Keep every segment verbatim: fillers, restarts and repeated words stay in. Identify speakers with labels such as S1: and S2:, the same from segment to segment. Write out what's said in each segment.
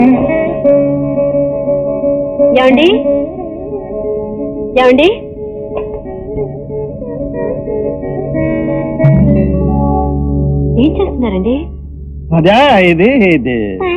S1: ఏమండి ఏమండి ఏం చేస్తున్నారండి?
S2: అదే ఇది ఇది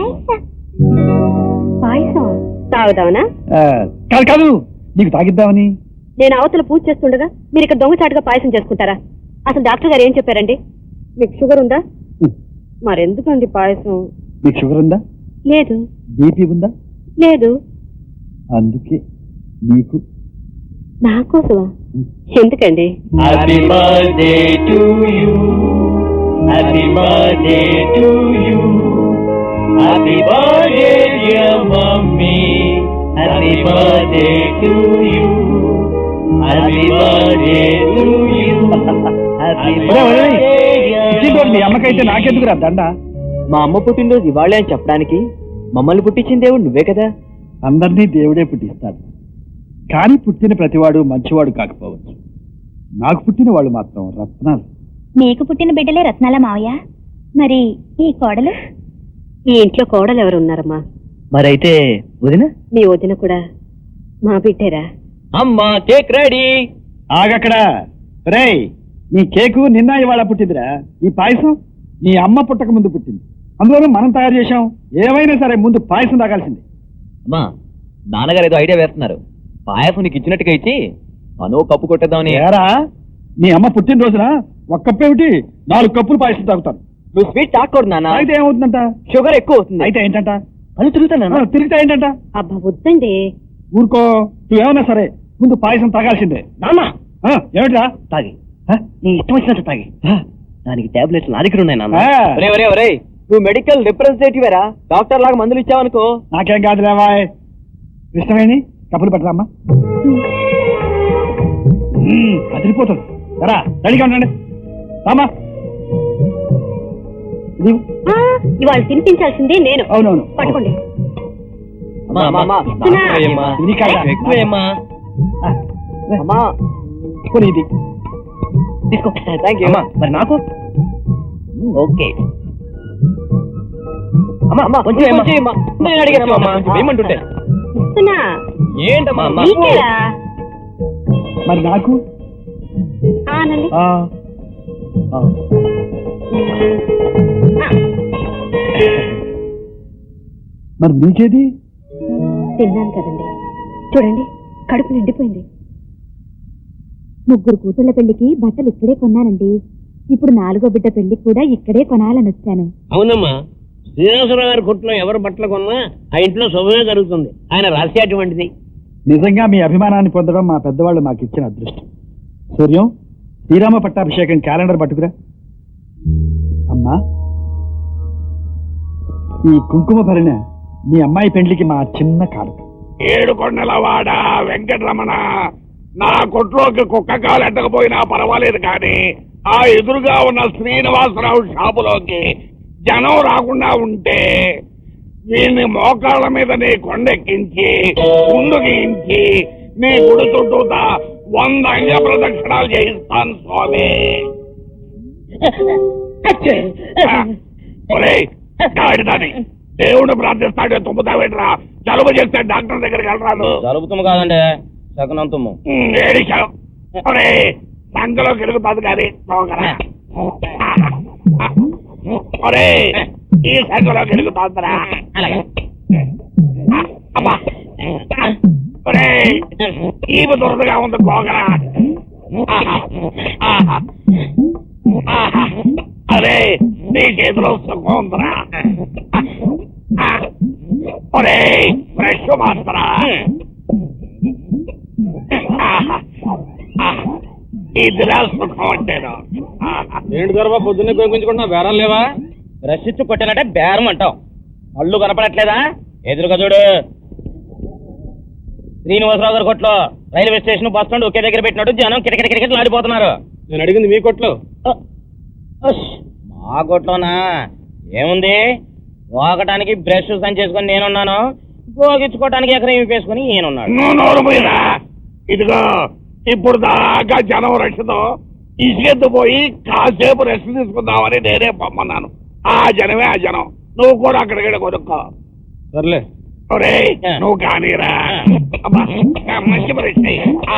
S1: పాయసం తాగుదామనా?
S2: కాదు కాదు నీకు తాగిద్దామని.
S1: నేను అవతల పూజ చేస్తుండగా మీరు ఇక్కడ దొంగచాటుగా పాయసం చేసుకుంటారా? అసలు డాక్టర్ గారు ఏం చెప్పారండి? మీకు షుగర్ ఉందా? మరెందుకండి పాయసం?
S2: నీకు షుగర్ ఉందా?
S1: లేదు.
S2: బీపీ ఉందా?
S1: లేదు.
S2: అందుకే నీకు
S1: నా కోసమా? ఎందుకండి?
S3: Happy birthday to you, happy birthday to you, happy birthday dear mummy, happy birthday to you, happy birthday to you, happy birthday.
S2: మీ అమ్మకైతే నాకెందుకు రా దండ?
S3: మా అమ్మ పుట్టినరోజు ఇవాళే అని చెప్పడానికి మమ్మల్ని పుట్టించిన దేవుడు నువ్వే కదా.
S2: అందరినీ దేవుడే పుట్టిస్తాడు, కానీ పుట్టిన ప్రతివాడు మంచివాడు కాకపోవచ్చు. నాకు పుట్టిన వాళ్ళు మాత్రం రత్నాలు.
S4: నీకు పుట్టిన బిడ్డలే రత్నాల మావయ్య. మరి ఈ కోడలు?
S1: ఈ ఇంట్లో కోడలు ఎవరు ఉన్నారమ్మా?
S3: మరైతే వదిన?
S1: మీ వదిన కూడా మా బిడ్డేరా?
S3: అమ్మా కేక్ రెడీ.
S2: ఆగక్కడ రేయ్, నీ కేకు నిన్న ఇవాళ పుట్టిందిరా. ఈ పాయసం నీ అమ్మ పుట్టక ముందు పుట్టింది, అందులోనూ మనం తయారు చేశాం. ఏమైనా సరే ముందు పాయసం తాగాల్సింది.
S3: అమ్మా నాన్నగారు ఏదో ఐడియా వేస్తున్నారు. పాయసం నీకు ఇచ్చినట్టుగా ఇచ్చి మనో కప్పు కొట్టేద్దామని.
S2: ఏరా, నీ అమ్మ పుట్టినరోజున ఒక కప్పు ఏమిటి నాలుగు కప్పులు పాయసం తాగుతాను.
S3: నువ్వు స్వీట్ తాకూడదు నాన్న.
S2: అయితే ఏమవుతుందంట?
S3: షుగర్ ఎక్కువ అవుతుంది.
S2: అయితే ఏంటంట?
S3: అది తిరుగుతాను.
S2: తిరిగితే ఏంటంట?
S1: అబ్బా వద్దండి.
S2: ఊరుకో, నువ్వేమన్నా సరే ముందు పాయసం తాగాల్సిందే.
S3: నాన్న
S2: ఏమిటా?
S3: తాగి నీ ఇష్టం వచ్చినట్టు తాగి. దానికి టాబ్లెట్స్ నా దగ్గర ఉన్నాయి నాన్న.
S2: ఆ.
S3: ఒరే ఒరే ఒరే, నువ్వు మెడికల్ రిప్రజెంటేటివ్ వేరా, డాక్టర్ లాగా మందులు ఇచ్చావనుకో.
S2: నాకేం కాదులేవా. ఇష్టమేని కప్పులు పెట్టరామ్మా. అదిరిపోతుంది. సరా రెడీగా ఉండండి. రామా,
S1: ఇవాళ తినిపించాల్సింది నేను.
S2: అవునవును,
S1: పట్టుకోండి.
S2: ఇది
S3: తీసుకో. Thank you. మరి నాకు ఓకే. అమ్మా అమ్మా కొంచెం నేను అడిగాను అమ్మా, ఏమంటుంటే
S1: ఇస్తున్నా.
S3: ఏంటమ్మా?
S1: నీకేరా?
S2: మరి నాకు
S1: ఆనండి.
S2: ఆ, ఆ. మరి నీకేది?
S1: తిన్నాను కదండి, చూడండి కడుపు నిండిపోయింది. ముగ్గురు కూతుళ్ల పెళ్లికి బట్టలు ఇక్కడే కొన్నానండి. ఇప్పుడు నాలుగో బిడ్డ పెళ్లికి కూడా ఇక్కడే కొనాలని వచ్చాను.
S5: అవునమ్మా, శ్రీనివాసరావు గారి కొట్లో ఎవరు బట్టలు కొన్నా ఆ ఇంట్లో శుభమే జరుగుతుంది. ఆయన రాసి అటువంటిది.
S2: నిజంగా మీ అభిమానాన్ని పొందడం మా పెద్దవాళ్ళు మాకు ఇచ్చిన అదృష్టం. సూర్యం, శ్రీరామ పట్టాభిషేకం క్యాలెండర్ పట్టుకురా. అమ్మా, ఈ కుంకుమ భరిణ మీ అమ్మాయి పెండ్లికి మా చిన్న కారక.
S6: ఏడు కొండలవాడ వెంకటరమణ, నా కొట్లోకి కుక్క కాలు ఎట్టకపోయినా పర్వాలేదు, కానీ ఆ ఎదురుగా ఉన్న శ్రీనివాసరావు షాపులోకి జనం రాకుండా ఉంటే వీడిని మోకాళ్ళ మీద నీ కొండెక్కించి ముందుకించి నీ గుడి చుట్టూతా వంద అంగ ప్రదక్షిణాలు చేయిస్తాను స్వామి. గాడిదాని దేవుడు ప్రార్థిస్తాడే తుమ్ముతావేట్రా? జలుబు చేస్తే డాక్టర్ దగ్గరికి వెళ్ళరాదు.
S5: జలుబుతుమ్ము కాదండి, శకనంతుమ్ము.
S6: ఏడిచావు ఒరే, సంఖలో కెలుగుతుంది కానీ ఒరే, ఈ సంఖలో కెలుగుతుందిరా. అమ్మా ఒరే, ఈమె దురదగా ఉంది గోగరా. అరే, నీ చేతిలో సుఖం ఉందిరా. ఒరే, ఫ్రెష్ మాత్రరా. ఇదిరా సుఖం అంటేను.
S5: ఏంటి దొరబా పొద్దున్నే కొనుక్కుంటున్నా, బేరం లేవా? బ్రష్ ఇచ్చి కొట్టానంటే బేరం అంటావు. అల్లు కనపడట్లేదా? ఎదురుగా చూడు. శ్రీనివాసరావు గారి కొట్లో రైల్వే స్టేషన్ బస్ స్టాండ్ ఒకే దగ్గర పెట్టినట్టు జనం కిటకిట కిటకిటలు ఆడిపోతున్నారు. నేను అడిగింది మీ కొట్లో. మా కొట్లోనా ఏముంది? పోగటానికి బ్రష్ సంచి చేసుకుని నేనున్నాను, పోగించుకోవటానికి ఎకరం వేసుకుని నేనున్నాను.
S6: ఇదిగో, ఇప్పుడు దాకా జనం రక్షతో ఇసుకెత్తు పోయి కాసేపు రెస్ట్ తీసుకుందామని నేనే పొమ్మన్నాను. ఆ జనమే ఆ జనం. నువ్వు కూడా అక్కడికి కొనుక్కో.
S5: సర్లే
S6: ఒరేయ్ నువ్వు కానీరా అబ్బా మంచి పరిస్థితి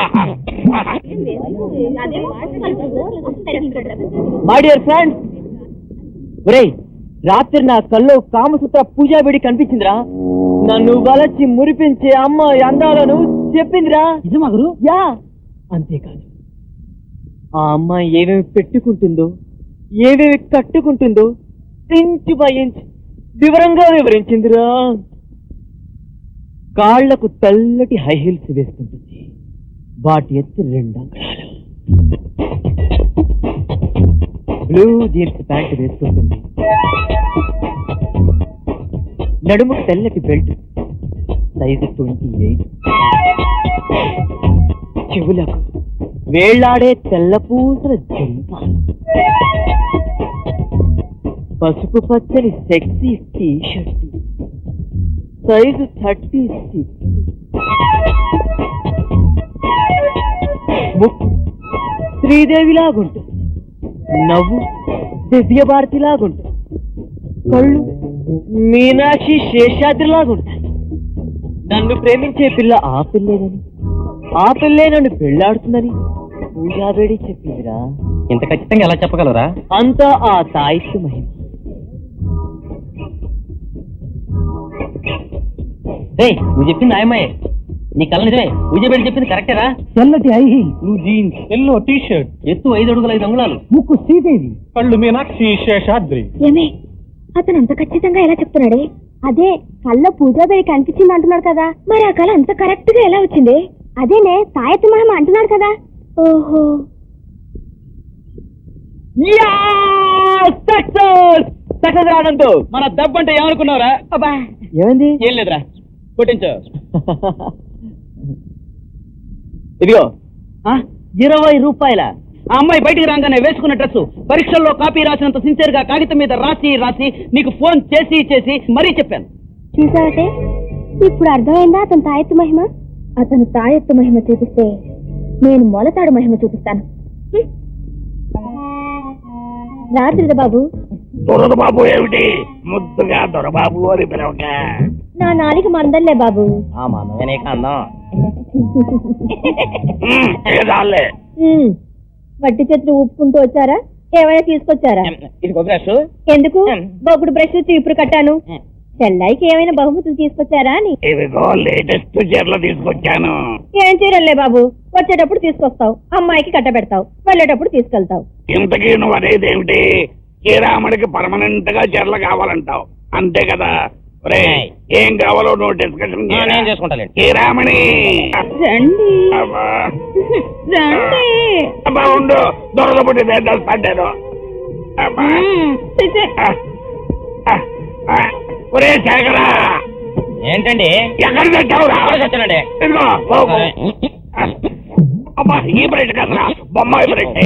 S7: మై డియర్ ఫ్రెండ్స్, ఒరేయ్ రాత్రి నా కల్లో కామసూత్ర పూజా వేడి కనిపించిందిరా. నన్ను వలచి మురిపించే అమ్మ అందాలను చెప్పిందిరా. నిజమా గురు? యా. అంతేకాదు, ఆ అమ్మాయి ఏమేమి పెట్టుకుంటుందో, ఏమేమి కట్టుకుంటుందో ఇంచు బై ఇంచ్ వివరంగా వివరించిందిరా. కాళ్లకు తెల్లటి హై హీల్స్ వేసుకుంటుంది, వాటి ఎత్తు రెండు అంకణాలు. బ్లూ జీన్స్ ప్యాంట్ వేసుకుంటుంది, నడుము తెల్లటి బెల్ట్ సైజు ట్వంటీ ఎయిట్. చెవులకు వేళ్లాడే తెల్లపూసల జంపాలు, పసుపు పచ్చని sexy T shirt size thirty six. ముక్కు శ్రీదేవిలాగుంటుంది, నవ్వు దివ్యభారతిలాగుంటుంది, కళ్ళు మీనాక్షి శేషాద్రిలాగుంటాయి. నన్ను ప్రేమించే పిల్ల ఆ పిల్లేనని, ఆ పిల్లే నన్ను పెళ్లాడుతుందని పూజాబేడి చెప్పిందిరా.
S3: ఇంత ఖచ్చితంగా ఎలా చెప్పగలరా?
S7: అంతా ఆ తాయిత్తు మహిమ.
S3: రే, నువ్వు చెప్పింది ఆయమ్మాయే, నీ కళ్ళ నిజమే. పూజబేడి చెప్పింది కరెక్టేరా.
S7: తెల్లటి I
S5: blue jeans, yellow T shirt,
S3: ఎత్తు ఐదు అడుగుల ఐదు అంగుళాలు,
S7: ముక్కు శ్రీదేవి,
S5: కళ్ళు మీనాక్షి శేషాద్రి.
S4: ఏమే అతను అంత ఖచ్చితంగా ఎలా చెప్తున్నాడే? అదే కళ్ళ పూజా బేడి కనిపించింది అంటున్నాడు కదా, మరి ఆ కళ అంత కరెక్ట్ గా ఎలా వచ్చింది? అదేనే తాయత్తు మహిమ అంటున్నాడు కదా. ఓహో,
S7: సక్సెస్ రావడంతో
S3: మన దెబ్బంటే ఏమనుకున్నావురా?
S7: అబ్బా ఏమైంది?
S3: ఏం లేదురా, కొట్టించు.
S7: ఇదిగో ఇరవై రూపాయల.
S3: ఆ అమ్మాయి బయటికి రాగానే వేసుకున్న డ్రెస్ పరీక్షల్లో కాపీ రాసినంత సిన్సియర్ గా కాగితం మీద రాసి రాసి నీకు ఫోన్ చేసి చేసి మరీ చెప్పాను.
S4: చూసావటే ఇప్పుడు అర్థమైందా అతను తాయెత్తు మహిమ? అతను తాయెత్తు మహిమ చూపిస్తే నేను మొలతాడు మహిమ చూపిస్తాను. రాత్రిద బాబు.
S6: దొరబాబు ఏమిటి ముద్దుగా దొరబాబు అని పిలవక?
S4: నా నాలిక మందల్లే బాబు.
S5: ఆ మందమే అందం.
S6: ఏదాలే
S4: వట్టి చేతులు ఊపుకుంటూ వచ్చారా? ఏమైనా తీసుకొచ్చారా?
S5: ఇదిగో బ్రష్.
S4: ఎందుకు? బొగుడు బ్రష్ చీపురు కట్టాను. చెల్లాయికి ఏమైనా బహుమతులు తీసుకొచ్చారా అని.
S6: ఇదిగో లేటెస్ట్ చీరలు తీసుకొచ్చాను.
S4: ఏం చీరలే బాబు, వచ్చేటప్పుడు తీసుకొస్తావు, అమ్మాయికి కట్టబెడతావు, వెళ్ళేటప్పుడు తీసుకెళ్తావు.
S6: ఇంతకీ నువ్వు అనేది ఏమిటి? శ్రీరాముడికి పర్మనెంట్ గా చీరలు కావాలంటావు అంతే కదా? రే ఏం కావాలో నువ్వు డిస్కషన్
S5: నేను చేసుకుంటాను.
S6: శ్రీరామణి
S1: రండి
S6: అబ్బా
S1: రండి.
S6: అబ్బా ఉండు, దొరదపుట్టి వేస్తాను. అబ్బా ఒరే శేఖరా,
S5: ఏంటండి
S6: ఎక్కడ తెచ్చావురా?
S5: చచ్చానండి.
S6: ఇదిగో బాబు. అబ్బా ఈ బ్రెడ్ కదరా, బొమ్మాయి బ్రెడ్.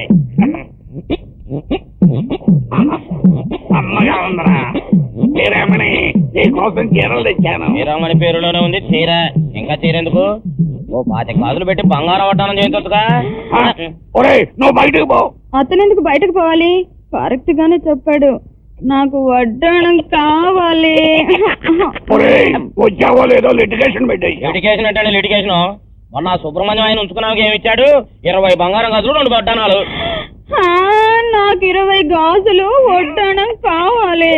S6: అమ్మగా ఉందరా. శ్రీరామణి నీ కోసం చీరలు తెచ్చాను.
S5: శ్రీరామణి పేరులోనే ఉంది చీర, ఇంకా చీర ఎందుకు? ఓ పాతి గాజులు పెట్టి బంగారం వడ్డానం చేయించొచ్చుగా.
S6: ఒరే నువ్వు బయటకు పో.
S1: అతను ఎందుకు బయటకు పోవాలి? కరెక్ట్ గానే చెప్పాడు, నాకు వడ్డాణం కావాలి.
S6: ఒరే వచ్చావో లేదో లిటిగేషన్ పెట్టాయి.
S5: లిటిగేషన్ అంటే లిటిగేషన్. మొన్న సుబ్రహ్మణ్యం ఆయన ఉంచుకున్నాక ఏమి ఇచ్చాడు? ఇరవై బంగారం గాజులు, రెండు వడ్డానాలు.
S1: నాకు ఇరవై గాజులు వడ్డాణం కావాలి.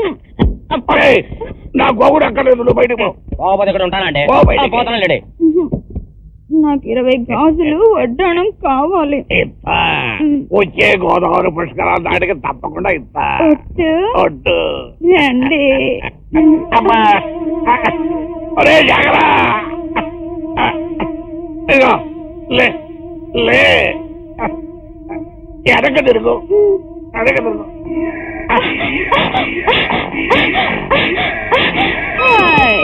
S6: నా గోగుడు అక్కర్లేదు, నువ్వు బయటకు పో.
S5: పోకపోతే ఇక్కడ ఉంటానండి.
S6: పో బయటికి.
S5: పోతాను లేడి.
S1: నాకు ఇరవై గాజులు వడ్డాణం కావాలి.
S6: ఇస్తా, వచ్చే గోదావరి పుష్కరాల నాటికి తప్పకుండా ఇస్తా.
S1: ఒట్టు?
S6: ఒట్టు.
S1: రండి.
S6: అమ్మా ఒరే జాగరా, ఇదిగో లే లే ఎడక తిరుగు, ఎడక తిరుగు.